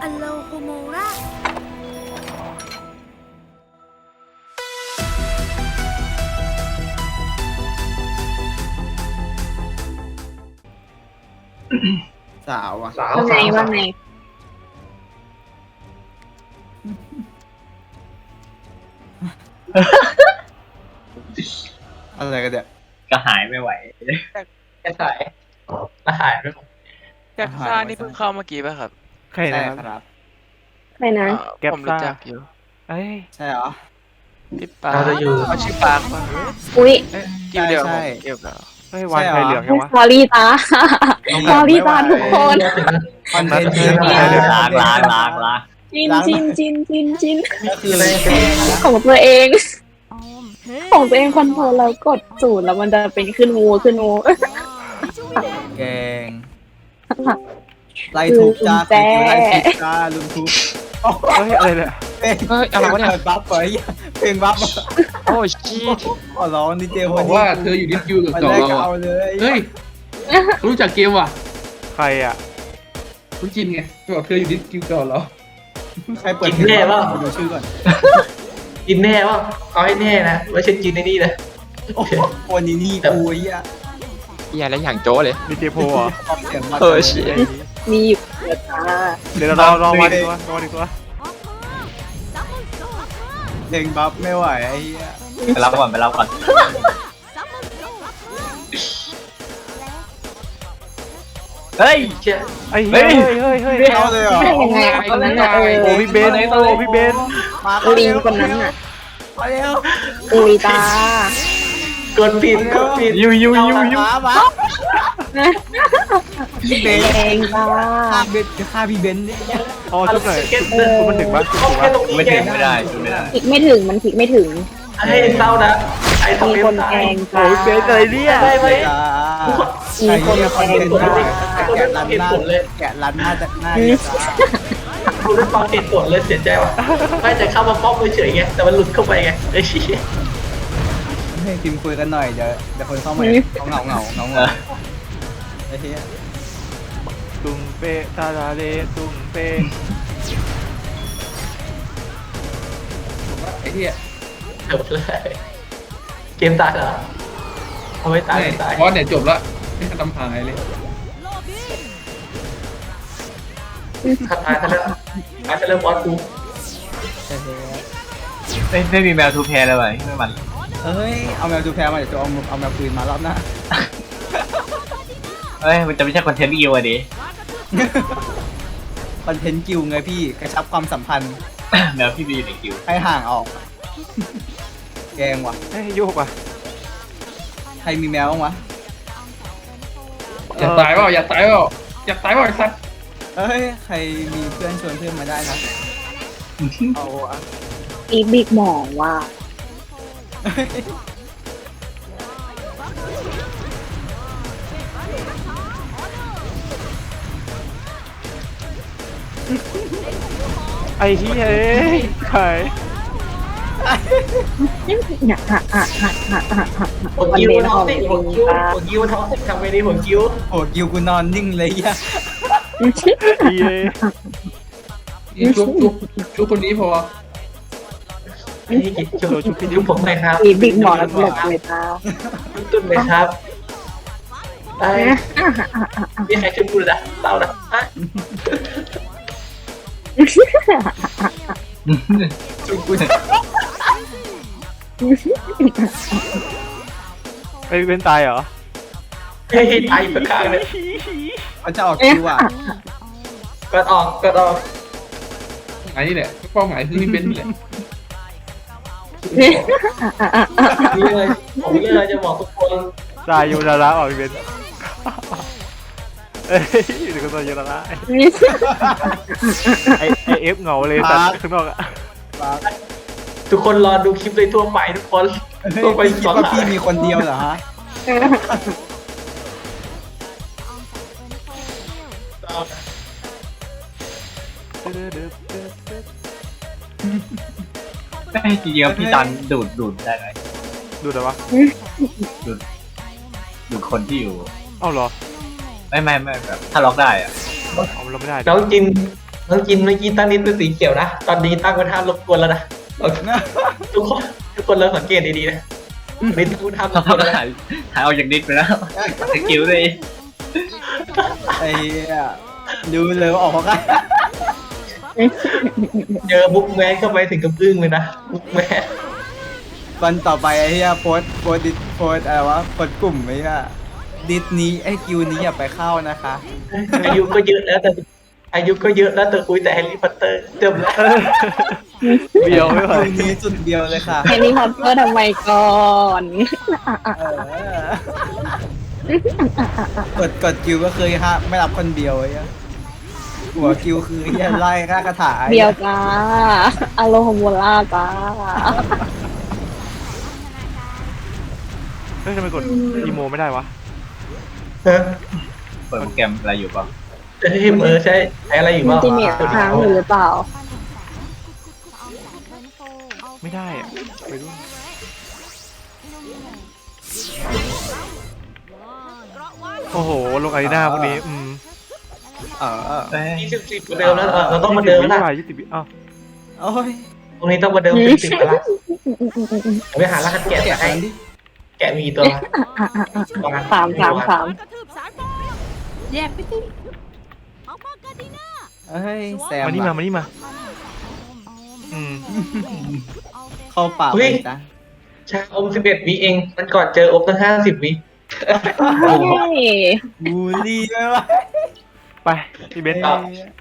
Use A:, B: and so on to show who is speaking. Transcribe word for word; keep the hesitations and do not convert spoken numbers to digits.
A: อโลโฮโมรา
B: สาวอ่ะ
C: สาว
D: ว่าไง
C: สาว
D: ว่าไง
B: อะไรกันเนี่ย
E: ก็หายไม่ไหว
C: แค่ถ่ายแล้วหายไปหมด
F: แจ็คซ่านี่เพิ่งเข้าเมื่อกี้ป่ะครับ
G: ใคร
B: ใช่
G: นะครับ
B: ครับ
D: ใครนะ
F: อ่า
G: แก๊ป
F: ผมรู้
G: ซ่า
F: จักอยู่
G: เอ้ย
B: ใช่เหรอ
F: พี่ปา
C: เราจะอยู่
F: เขาชื่อปาร์คป่ะ
D: อุ้ย
F: เอ๊ะกิวเดียว
B: ใช่
F: ผมเกี่ยวกับ
G: เฮ้ยวายไฟเหลืองยังวะ
D: สอรี่ตา
B: ต้อง
D: สอรี่ตา
B: ไม่ไหว
D: ทุกคน
B: คอนเทนต์
G: เออ
B: ที่
G: เออ
E: ล้างล้างล้างล้าง
D: จินจินจินจินจิน
B: ก็คืออะไรแกงนะ
D: ของตัวเอง ของตัวเองคอนโทรลแล้วกดศูนย์แล้วมันจะเป็นขึ้นงูขึ้นงู
B: แกงไล่ทุบจ้า
D: แจ้
B: ไล่ทุบจ้าลุมทุบ
G: เฮ้ยอะไรเนี่ย
B: เพลง
F: เฮ้ยอะไรวะเนี่ย
B: ปิดบัฟไปเพลงบัฟ
F: โอ้ชีต
B: ขอร้องดีเจ
H: บ
B: วั
H: อน ก
B: นี้
H: ว่าเธออยู่ดิสคิวกับ
B: มัน
H: เก่า
B: แรก
H: เรา
B: เอา
H: อ่ะ
B: เลย
H: เฮ้ยรู้จักเกมว่ะ
G: ใครอ่ะ
H: คุณจินไงบอกเธออยู่ดิสคิวเก่าเรา
B: ใครเปิด
C: กินแน่ป่ะ
B: ดูชื่อก่อน
C: กินแน่ป่ะเอาให้แน่นะไม่ใช่กินในนี่นะ
B: โอ้โหคนนี้นี่กูไอ้เหี้ย
F: เฮียแล้วอย่างโจ้เลย
G: มีเจโพเหรอ
B: ความเสียงมา
F: เออเชี่ย
D: มีอยู่เดี๋ยวตา
G: เดี๋ยวเราลองมาดีกว่าลองมาดีกว่า
B: เพลงบัฟไม่ไหวไอ้เหี้ย
E: ไปรับก่อนไปรับก่อน เฮ้ย
C: เชี่ย
G: ไอ้เฮ้ยเฮ้ยเฮ้ย
B: เข้าเลยเหรอ
D: ได้ยังไงคนนั้นน่ะเออ
G: โอ้พี่เบนโอ้พี่เบน
B: มาเข้า
D: ลิง
B: เร็ว
D: คนนั้นน่ะ
B: มาเร็ว
D: อุ้ยตาก
C: ดผิดกดผิด
G: ยูยูยูยู
B: มามาพี่เบน
D: แดงตา
B: ฆ่าเบนฆ่าพี่เบนเนี่ย
G: อ๋อชุดไหนชุดมันถึงปะ
C: เอาแค่ตรงนี้
E: ไม่
C: ไง
E: ถึงไม่ได้ไม่ได้
D: คลิกไม่ถึงมันคลิกไม่ถึง
C: ให้เศร้านะไอ้ทำ
D: มี
C: เป็น
D: คน
C: ตา
D: แท
C: ย
D: ง
G: โอ้
D: ตา
G: พี่เบนอะไรเนี่ย
C: ได้ไหม
B: อ่า
D: มี
B: ไอ้
D: คน
B: เหี้ยคอนเทนต์
D: แทง
B: ได้
D: ตา
B: แกะรันหน้าแกะรันหน้าจากหน้าเนี่ยจ้า
C: คุณได้ฟังเหตุผลเลยเสียใจว่ะไม่แต่เข้ามาป้อมเฉยๆไงแต่มันหลุดเข้าไปไงไอ้เชี่ย
B: ให้ทีมคุยกันหน่อยเดี๋ยวเดี๋ยวคนเข้ามาเขาเหงาเหงาเหงาเหงาไอ้เหี้ย
G: ตุ้งเปตาลาเลตุ้งเป
H: ไอ้เหี้ย
C: จบเลยเกมตายเหรอเอาไว้ตาย
H: ไม่
C: ตาย
H: บอสเนี่ยจบละไม่ทำหายเลย
C: ขัดตายซะแล้วตายซะแล้วบอสกู
E: ไม่ไม่มีแมวทูแพร์เลยว่ะไม่มัน
B: เอ้ยเอาแมวจูแพรมาเดี๋ยวจะเอาเอาแมวปืนมารอบหน้า
E: เฮ้ยมันจะไม่ใช่คอนเทนต์อีวะดิ
B: คอนเทนต์กิวไงพี่กระชับความสัมพันธ์
E: แมวพี่บีอยู่ในคิว
B: ให้ห่างออก แกงว่ะ
G: เฮ้ยโยกอ่ะ
B: ใครมีแมวบ้างวะ
H: อย่าตายเปล่าอย่าตายเปล่าอย่าตายเปล่าไอ้สัตว์
B: เอ้ยใครมีเพื่อนชวนเพื่อนมาได้นะ
G: เอาอ่ะ
D: อีบิ๊กหมองว่า
G: ไอ้เฮ้ยเอ้ยใคร
D: เนี่ยฮะฮะฮะฮะฮะฮะ
C: หัวกิ้วท้องสิหัวกิ้วหัวกิ้วท้องสิทำไมดีหัวกิ้ว
B: โอ้กิวกูนอนนิ่งเลยอ่ะ
G: ดีเลย
H: นี่ชุบชุบชุบคนนี้พอ
C: นี่ชุบชุบชุบผมเลยครับ
D: อีบิ๊กหมองแล้วหลบเลยตา
C: ตุ้นเลยครับไอ้มีใครช่วยกูเลยนะเศร้านะฮะ
B: ช่วยกู
G: ไอ้เป็นตายเหรอ
C: เฮ้ยตายประกาศเลย
B: เขาจะออกคิวอ่ะ
C: กดออกกดออก
H: อันนี้แหละเป้าหมายคือพี่เบนซ์นี่แหละ
C: นี่เลยผมเลยจะบอกทุกคน
G: ตายยูนาระออกพี่เบนเอ้ยเดี๋ยวก็ตัวยูนาระไอไอเอฟเหงาเลยแต่ข้างนอกอะ
C: ทุกคนรอดูคลิปเลยทั่วไปทุกคน
B: เฮ้ย
C: ทั่วไป
B: พี่คิดว่าพี่มีคนเดียวเหรอฮะ
E: ไม่จริงๆพี่ตันดูดดูดได้ไหม
G: ดูแต่ว่า
E: ดูดดูดคนที่อยู่
G: เอ้าเหรอ
E: ไม่ไม่ไม่แบบถ้าล็อกได้อะ
G: เอาเราไม่ได้
C: น้องจินน้องกินเมื่อกี้ตั้งนิดเป็นสีเขียวนะตอนนี้ตั้งเป็นท่ารบกวนแล้วนะทุกคนทุกคนเริ่มสังเกตดีๆนะนิดพูดท่ารบกวนแล้วนะ
E: ถ่ายถ่ายออกจากนิดไปแล้วสกิลเลย
B: ไอ้เหี้ยดูเลยว่าออกเพราะกัน
C: เจอบุ๊กแมนเข้าไปถึงกับอึ้งเลยนะบุ๊กแมน
B: วันต่อไปไอ้เหี้ยโพสต์โพสต์ดิสโพสต์อะไรวะโพสต์กลุ่มไอ้เหี้ยดิสนี้ไอ้กิวนี้อย่าไปเข้านะคะ
C: อายุก็เยอะแล้วแต่อายุก็เยอะแล้วแต่คุยแต่แฮร์รี่พอตเตอร์เติมแล้ว
G: เบียวไม่ไหว
B: กิวนี้สุดเดียวเลยค่ะ
D: แฮร์รี่พอตเตอร์ทำไมก่อน
B: เออกดกดกิวก็คือฮะไม่รับคนเดียวไอ้เหี้ยหัวกิวคือไอ้เหี้ยไล่ฆ่ากระถาไอ้
D: เดี
B: หี้
D: ยวจ้าอโลฮโมล่าจ้า
G: เฮ้ยทำไมกดอีโมไม่ได้วะ
C: เออ
E: เปิดโปรแกรมอะไรอยู่เปล่า
C: เฮ้ยเออใช่ใช้อะไรอยู่
D: มัน
C: บ้าง
D: จะเน็ตค้างอยู่หรือเปล่า
G: ไม่ได้อะไปดู โอ้โหลงอารีนาพวกนี้อืม
B: เออ
E: เอ้ย
C: ยี่สิบสิบเดิมแล้วเออเราต้องมาเดิมแล้ว
G: ยี่สิบวิ
C: ล่ะ
G: ยี่สิบวิอ้าว
B: โอ้ย
C: ตรงนี้ต้องมาเดิมสิบสิบแล้วล่ะไปหารหัสแกะ
B: แกะ
C: ให้
B: กันดิ
C: แกะมีตัวประมาณ
D: สามสามสาม
A: แยกไปสิ
B: เอ้ยแซม
G: มานี่มา
B: อะ
G: มานี่มาอืม
B: เข้าป่าไปจ้ะ
C: ชาอมสิบเอ็ดวิเองมันก่อนเจออมตั้งห้าสิบวิ
D: เฮ้ย
B: บูลลี่ไหมวะ
G: ไปพี่เบนซ์
B: เอ้ย